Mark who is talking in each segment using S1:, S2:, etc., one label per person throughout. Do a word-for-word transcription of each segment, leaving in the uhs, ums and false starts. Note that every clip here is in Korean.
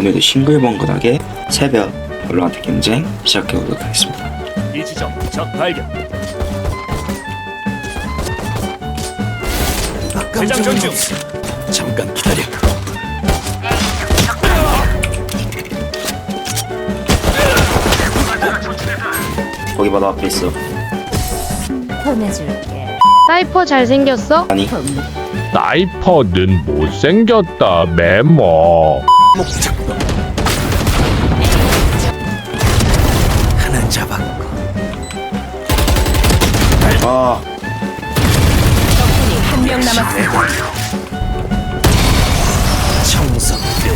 S1: 오늘도 싱글벙글하게 새벽 발로란트 경쟁 시작해보도록 하겠습니다.
S2: 이 지점 적 발견. 대장 전중.
S3: 잠깐 기다려.
S1: 거기 바로 앞에 있어.
S4: 보내줄게.
S5: 사이퍼 잘생겼어?
S1: 아니
S6: 사이퍼는 못생겼다 메모.
S3: 목 잡고 하나 잡았고.
S1: 아
S4: 적군이 한 명 남았습니다.
S3: 청소 끝.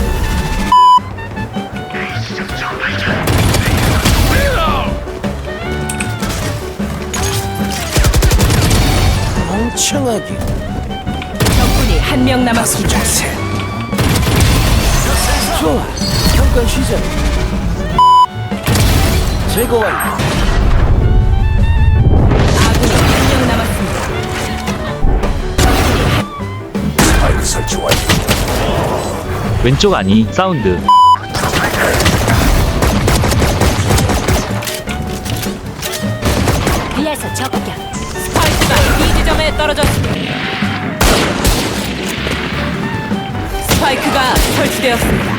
S3: 멍청하게.
S4: 적군이 한 명
S3: 다섯
S4: 남았습니다.
S3: 중 셋. 좋아. 잠깐 쉬자. 제거 완료.
S4: 아군이 한 명 남았습니다.
S3: 스파이크 설치 완료.
S7: 왼쪽 아니 사운드.
S4: 위에서 적격. 스파이크가 이 지점에 떨어졌습니다. 스파이크가 설치되었습니다.